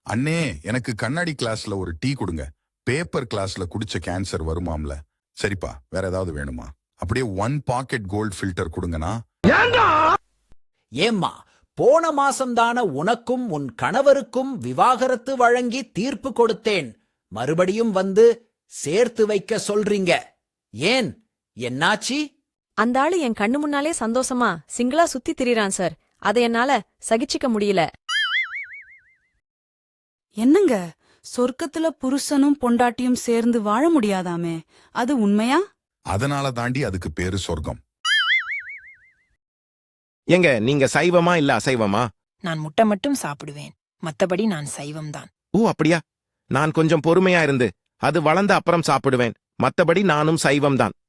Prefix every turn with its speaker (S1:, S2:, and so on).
S1: அண்ணே, எனக்கு கண்ணாடி கிளாஸ்ல ஒரு டீ கொடுங்க. பேப்பர் கிளாஸ்ல குடிச்ச கேன்சர் வருமாம்ல. சரிப்பா, வேற ஏதாவது வேணுமா? அப்படியே 1 பாக்கெட் கோல்ட் ஃபில்டர் கொடுங்கண்ணா.
S2: ஏம்மா, போன மாசம்தான உனக்கும் உன் கணவருக்கும் விவாகரத்து வழங்கி தீர்ப்பு கொடுத்தேன். மறுபடியும் வந்து சேர்த்து வைக்க சொல்றீங்க. ஏன், என்னாச்சி?
S3: அந்த ஆளு என் கண்ணு முன்னாலே சந்தோஷமா சிங்கிளா சுத்தி திரிறான் சார். அதை என்னால சகிச்சுக்க முடியல.
S4: என்னங்க, சொர்க்கத்துல புருஷனும் பொண்டாட்டியும் சேர்ந்து வாழ முடியாதாமே, அது உண்மையா?
S1: அதனால தாண்டி அதுக்கு பேரு சொர்க்கம்.
S5: எங்க நீங்க சைவமா இல்ல அசைவமா?
S6: நான் முட்டை மட்டும் சாப்பிடுவேன், மத்தபடி நான் சைவம்தான்.
S5: ஓ அப்படியா? நான் கொஞ்சம் பொறுமையா இருந்து அது வளர்ந்த அப்புறம் சாப்பிடுவேன். மத்தபடி நானும் சைவம்தான்.